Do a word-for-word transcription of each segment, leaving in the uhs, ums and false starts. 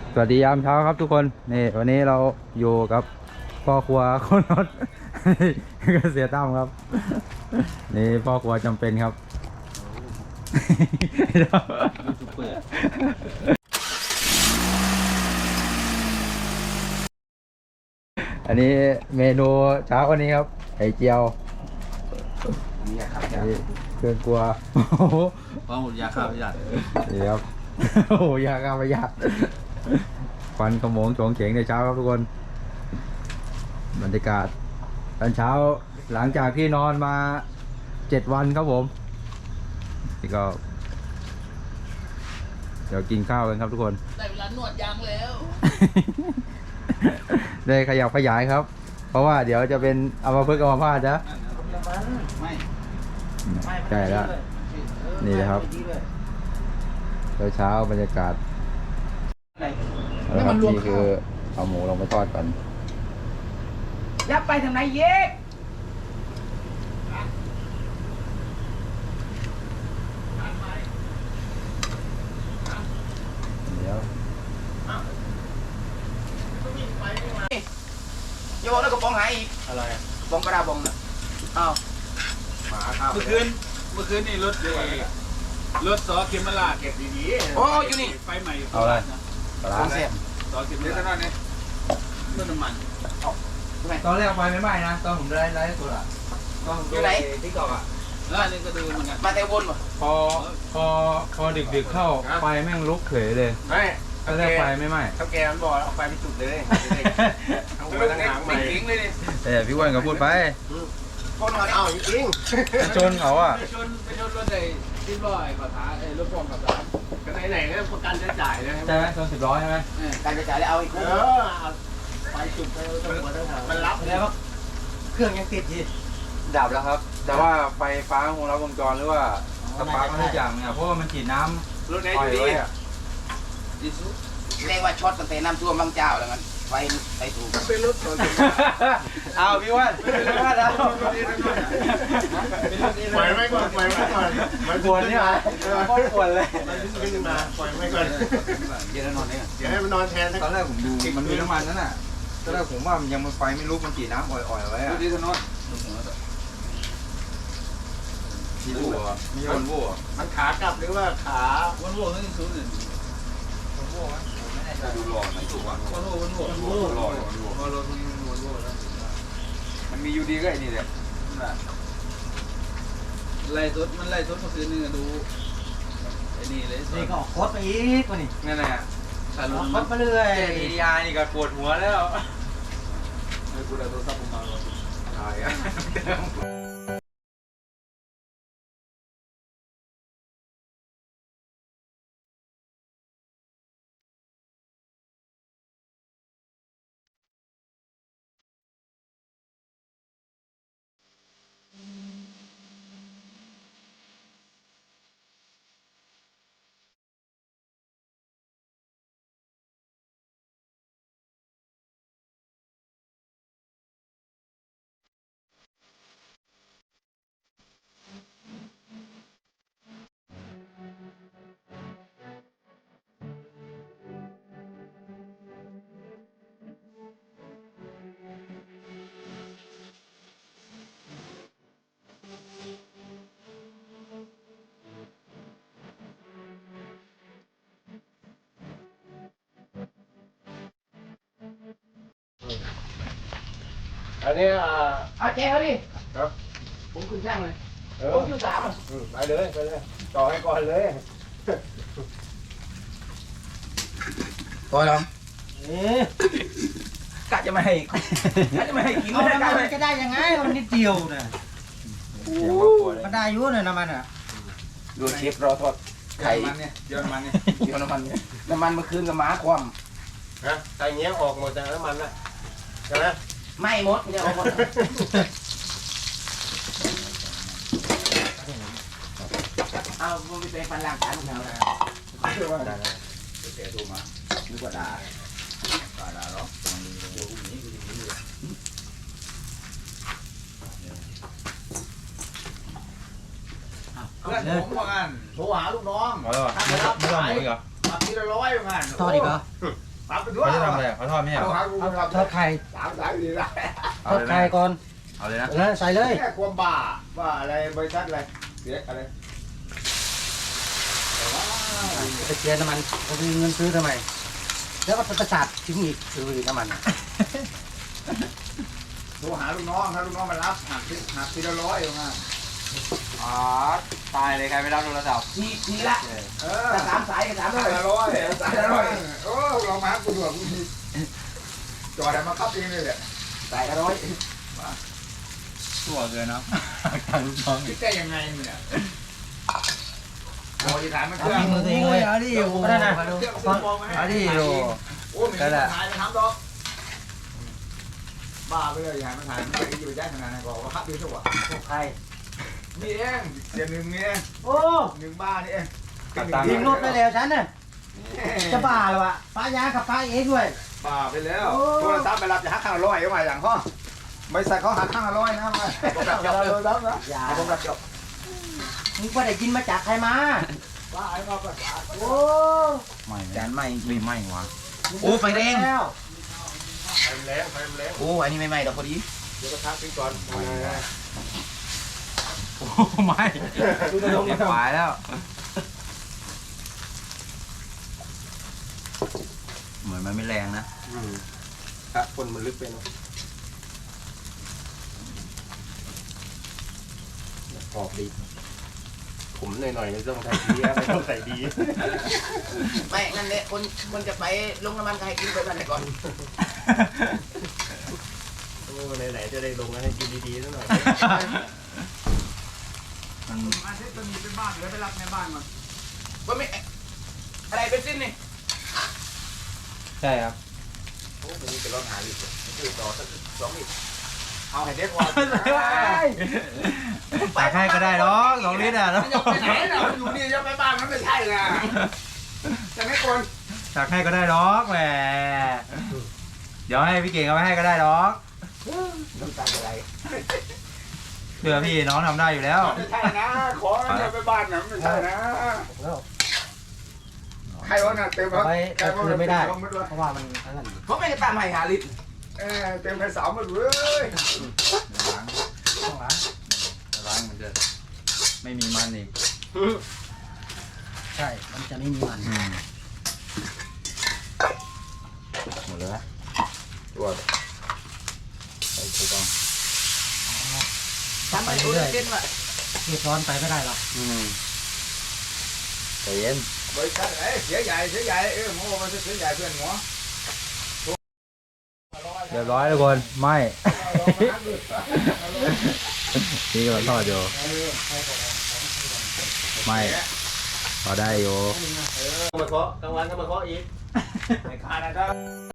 สวัสดียามเช้าครับทุกคนนี่วันนี้เราอยู่กับพ่อครัวคนรถ ก็เสียตั้มครับนี่พ่อครัวจำเป็นครับ อันนี้เมนูเช้าวันนี้ครับไข่เจียวนี่ครับเครื่องครัวว่าหมดยาฆ่าพยาธินี่ครับโอ้โหยาฆ่าพยาธิควันขโมงโฉงเฉงในเช้าครับทุกคนบรรยากาศตอนเช้าหลังจากที่นอนมาเจ็ดวันครับผมนี่ก็เดี๋ยวกินข้าวกันครับทุกคนได้เวลาหนวดยางแล้วได้ขยับขยายครับเพราะว่าเดี๋ยวจะเป็นอัมพฤกษ์อัมพาตนะไม่ใช่แล้วนี่นะครับเช้าบรรยากาศแล้วครับนี่คือเอาหมูลงไปทอดก่อนยับไปทางไหนเย็กเดี๋ยวโยนแล้วก็ปองหายอีกอะไรปองกระดาบองน่ะอ้าวหมาข้าวเมื่อคืนเมื่อคืนนี่รถเลยรถซอเข็มมาลาเก็บดีๆโอ้อยู่นี่ไฟใหม่เอาอะไรปลาเสียบซอเข็มมาลาเนี่ยเรื่องน้ำมันตอนแรกไฟไม่ไหม้นะตอนผมได้ไลฟ์สดอ่ะอยู่ไหนที่เก่าอ่ะแล้วนี่ก็ดูเหมือนกันมาแต่วนป่ะพอพอพอดึกๆเข้าไฟแม่งลุกเขยเลยไม่ตอนแรกไฟไม่ไหม้เขาแกมันบอกเอาไฟไปจุดเลยเอาไปตั้งหางใหม่ทิ้งเลยดิแต่พี่อ้วนก็พูดไปชนเขาเอาจริงชนเขาอ่ะไปชนไปชนรถไอ้ที่ลอยขอท้าไอ้รถพ่วงขอท้ากันไหนๆก็ประกันจะจ่ายเลยใช่ไหมชนสิบร้อยใช่ไหมการจะจ่ายแล้วเอาอีกเออไฟจุดไปทั้งหมดทั้งหางมันรับแล้วเครื่องยังติดอยู่ดับแล้วครับแต่ว่าไฟฟ้าของเราวงจรหรือว่าสปาร์คทุกอย่างเนี่ยเพราะว่ามันฉีดน้ำรถไหนอยู่ดีอ่ะเรียกว่าช็อตตั้งแต่น้ำท่วมบางเจ้าแล้วกันไฟไฟถูกเป็นรถส่วนเอาพี่ว่าพี่ว่าเอาปล่อยไม่ก่อนปล่อยไม่ก่อนมันปวดเนี่ยโคตรปวดเลยมันขึ้นมาปล่อยไม่ก่อนเดี๋ยวนอนเนี่ยเดี๋ยวให้มันนอนแทนตอนแรกผมดูมันมีน้ำมันนั่นน่ะตอนแรกผมว่ามันยังมันไฟไม่ลุกมันฉีดน้ำอ่อยๆไว้อะดูดิถนนมีวัวมีวันวัวมันขากลับหรือว่าขาวันวัวนั่นคืออื่นวันวัวไหมไม่แน่ใจดูหล่อไหนถูกอ่ะวันวัววันวัววันวัวหล่อวันวัววันวัววันวัวแล้วมันมียูดีก็ไอ้นี่แหละไล่ทุดมันไล่ทุดเมื่อคืนนี่ดูไอ้นี่เลยนี่ก็โคตรไปอีกว่านี่นั่นแหละโคตรมาเรื่อยดียานี่ก็ปวดหัวแล้วไอ้กูได้โทรศัพท์ผมมาแล้วตายอ่ะอันนี้อ่าเอาแจเขาดิครับผมขึ้นช่างเลยผมอยู่สามอ่ะไปเลยไปเลยต่อให้ก่อนเลยพอแล้วกะจะไม่ให้กะจะไม่ให้กินเลยมันจะได้ยังไงมันนิดเดียวนะมันได้ยุ่นเลยน้ำมันอ่ะดูเชฟรอทอดไข่เนี่ยเยอะมันเนี่ยเยอะน้ำมันเนี่ยน้ำมันเมื่อคืนกับม้าคว่ำนะใส่เงี้ยออกหมดจากน้ำมันนะใช่ไหมไม่หมดเนี่ยออกหมดเอามึงไปเป็นฟันล่างขาของเราแล้วเชื่อว่าได้แล้วแกโทรมานึกว่าด่าด่าด่าหรอเพื่อนผมว่างันโทรหาลูกน้องไม่ต้องไม่ต้องหมดอีกเหรอมาทีละร้อยว่างันทอดอีกเหรอปรับไปด้วยเขาจะทำอะไรอ่ะเขาทอดไม่ใช่เหรอเอาทอดไข่สามสายดีได้ทอดไข่ก่อนเอาเลยนะแล้วใส่เลยแค่ความบ้าว่าอะไรบริษัทอะไรเสียอะไรไปเชียร์น้ำมันเขามีเงินซื้อทำไมแล้วก็ประสาททิ้งอีกซื้ออีกน้ำมันโทรหาลูกน้องถ้าลูกน้องมารับหักทีหักทีละร้อยเอามาอ๋อตายเลยใครไม่รับโทรศัพท์ทีทีละเออสามสายกับสามสาสาย ยละร้อยสายละร้อยโอ้ลองมากูดูกูจอดมาคับเองเลยแหละสายละร้อยชั่วเกินเนาะทางลูกน้องคิดได้ยังไงเนี่ยโอ้ยถามมันเอาเครื่องฝีมือตัวเองเลยเอาดิโอ้ก็ได้นะเครื่องซื้อมองมาให้เอาดิโอ้โอ้ยมีคนถ่ายมาทำดอกบ้าไปเลยอย่ามันถ่ายมันไปอยู่ได้ขนาดนั้นก็ว่าคับดีสักว่าพวกใครนี่เองเสียหนึ่งนี่เองโอ้หนึ่งบ้านี่เองทิ้งรถไปแล้วฉันน่ะจะบ้าเหรอวะป้ายากับป้าเองด้วยบ้าไปแล้วโทรศัพท์ไปรับจะหักข้างละร้อยเอาไว้อย่างข้อบริษัทเขาหักข้างละร้อยนะมาผมรับจบเลยรับนะอย่าผมรับจบมึงก็ได้กินมาจากใครมาบ้าไอ้มาประสาทโอ้ไม่จานใหม่ไม่ไม่วะโอ้ไฟแดงแล้วไฟแรงไฟแรงโอ้อันนี้ใหม่ๆดอกพอดีเดี๋ยวก็ทักพี่ก่อนโอ้ไม่เรียบร้อยแล้ว เหมือนมันไม่แรงนะครับคนมันลึกไปเนาะกรอบดีผมหน่อยๆไม่ต้องใส่ดีไม่ต้องใส่ดีไม่นั่นแหละคนคนจะไปลงน้ำมันใครกินไปบ้านไหนก่อนโอ้ไหนๆจะได้ลงให้กินดีๆสักหน่อยมันอาทิตย์ตัวนี้เป็นบ้านเหลือไปรับในบ้านมันว่าไม่อะไรเป็นสิ้นนี่ใช่ครับโอ้มันมีเป็นรถหาลิตรคือต่อสักสองลิตรเอาให้เด็กว่าตักให้ก็ได้หรอกสองลิตรอ่ะแล้วมันจะไปไหนน่ะมันอยู่นี่จะไปบ้านมันไม่ใช่นะจะไม่คนตักให้ก็ได้หรอกแหมเดี๋ยวให้พี่เก่งเอาไปให้ก็ได้หรอกน้ำตาอะไรเพื่อพี่น้องทำได้อยู่แล้วไม่ใช่นะขอจะไปบ้านนะไม่ใช่นะใครว่าน่ะเต็มครับไปใครว่าคืนไม่ได้เต็มหมดเลยเพราะว่ามันอันนั้นผมไม่ได้ตามให้หาลิตรเออเต็มไปสาวหมดเลยล้างต้องล้างล้างมันจะไม่มีมันอีกใช่ มันจะไม่มีมันอืมหมดแล้วตัวใส่ถูกต้องทำไปเรื่อยๆเรียบร้อนไปไม่ได้หรอกอืมใจเย็นบริษัทเอ้ยเสียใหญ่เสียใหญ่เออหมอมันจะเสียใหญ่เพื่อนหมอเรียบร้อยทุกคนไม่นี่ก็ทอดอยู่ไม่พอได้อยู่มาเคาะกลางวันก็มาเคาะอีกไม่ขาดนะครับ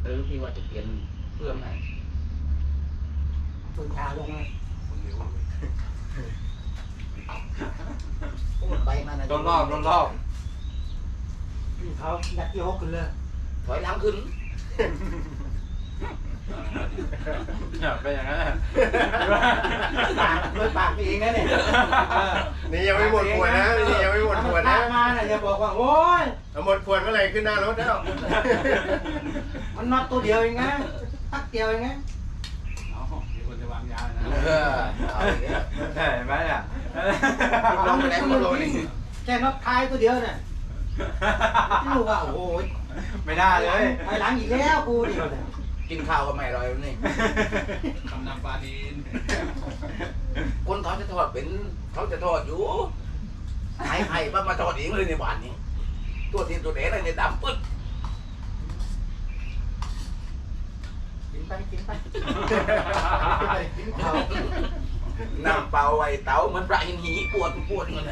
หรือที่ว่าจะเปลี่ยนเพื่อมไหนปืนชาลงเลยพูดไปมันโดนรอบโดนรอบเขายัดที่หกขึ้นเลยถอยหลังขึ้นเป็นอย่างนั้นแหละปากเลยปากเองนะเนี่ยนี่ยังไม่หมดขวดนะนี่ยังไม่หมดขวดนะมาเนี่ยอย่าบอกว่าโอ้ยเอาหมดขวดเมื่อไหร่ขึ้นหน้ารถแล้วมันน็อตตัวเดียวเองนะตักเดียวเองนะเอามีคนจะวางยานะเออเอาอย่างเงี้ยใช่ไหมเนี่ยลงไปไหนก็ไม่รู้นี่แค่น็อตท้ายตัวเดียวเนี่ยไม่รู้ว่าโอ้โหไม่ได้เลยไปหลังอีกแล้วกูดิกินข้าวก็ไม่อร่อยนี่ทำน้ำปลาดีนคนเขาจะทอดเป็นเขาจะทอดอยู่ไผ่ไผ่มามาทอดเองเลยในบ้านนี้ตัวทีตัวเด็กอะไรในยดำปึ๊ดกินไปกินไปกินข้าวน้ำเปล่าไว้เตาเหมันปลาหินหีปวดปวดเงินเลย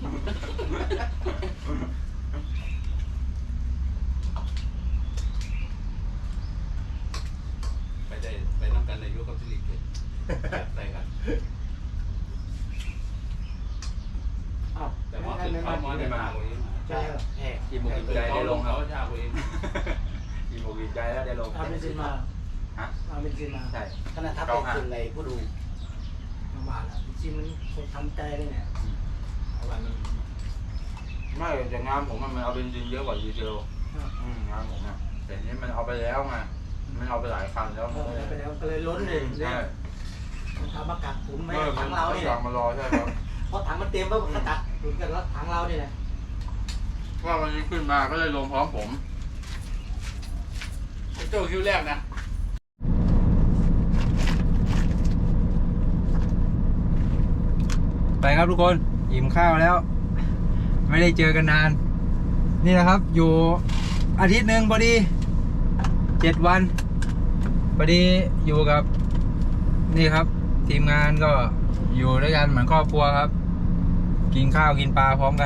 ไปได้ไปน้ำกันในยุคกับสิริกิตไปกันอ้าวแต่ว่าคือเขามอได้มาเองใช่เหรอแห่อิ่มอกอิ่มใจได้ลงคเขารับชาเองอิ่มอกอิ่มใจแล้วได้ลงเอาเบนซินมาฮะเอาเบนซินมาใช่ขนาดทับเป็นคนในผู้ดูมาบาทแล้วเบนซินมันคงทำใจเลยเนี่ยวันนึงไม่แต่งานผมมันเอาเบนซินเยอะกว่าดีเซลอืมงานผมอ่ะแต่นี้มันเอาไปแล้วไงมันเอาไปหลายคันแล้วเออไปแล้วก็เลยล้นเลยใช่มันทำมากักถุงไหมเออมัถันงเราไม่เนี่ยอยากมารอใช่ครับเพราะถังมันเต็มแล้วมันก็กักถุงกันแล้วถังเราเนี่ยแหละว่าวันนี้ขึ้นมาก็เลยลงพร้อมผมเจ้าคิวแรกนะไปครับทุกคนอิ่มข้าวแล้ว ไม่ได้เจอกันนาน นี่นะครับ อยู่อาทิตย์หนึ่งพอดีเจ็ดวันพอดีอยู่กับ นี่ครับ ทีมงานก็อยู่ด้วยกันเหมือนครอบครัวครับ กินข้าวกินปลาพร้อมกัน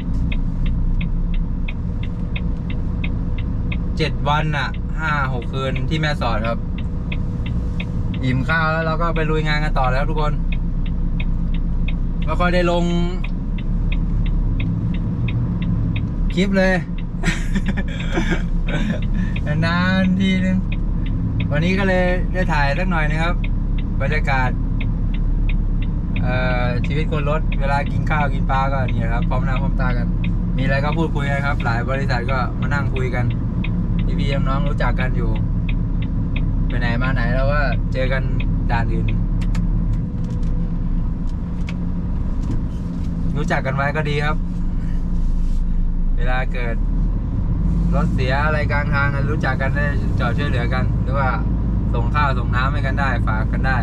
เจ็ดวันอ่ะห้าหกคืนที่แม่สอดครับ อิ่มข้าวแล้วเราก็ไปลุยงานกันต่อแล้วทุกคนไม่ค่อยได้ลงคลิปเลย นานๆทีนึงวันนี้ก็เลยได้ถ่ายสักหน่อยนะครับบรรยากาศเอ่อชีวิตคนรถเวลากินข้าวกินปลาก็นี่ครับพร้อมหน้าพร้อมตากัน มีอะไรก็พูดคุยกันครับ หลายบริษัทก็มานั่งคุยกันพี่ๆน้องๆรู้จักกันอยู่ไปไหนมาไหนแล้วว่าเจอกันด่านอื่น รู้จักกันไว้ก็ดีครับ เวลาเกิดรถเสียอะไรกลางทางรู้จักกันได้จอดช่วยเหลือกัน หรือว่าส่งข้าวส่งน้ำให้กันได้ฝากกันได้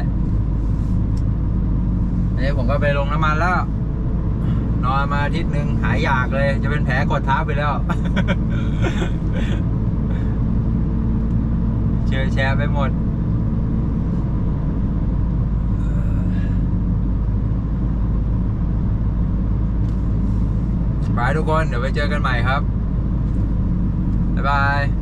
อันนี้ผมก็ไปลงน้ำมันแล้ว นอนมาอาทิตย์หนึ่งหายอยากเลย จะเป็นแผลกดทับไปแล้ว เชื่อแชร์ไปหมดบายทุกคนเดี๋ยวไปเจอกันใหม่ครับ บ๊ายบาย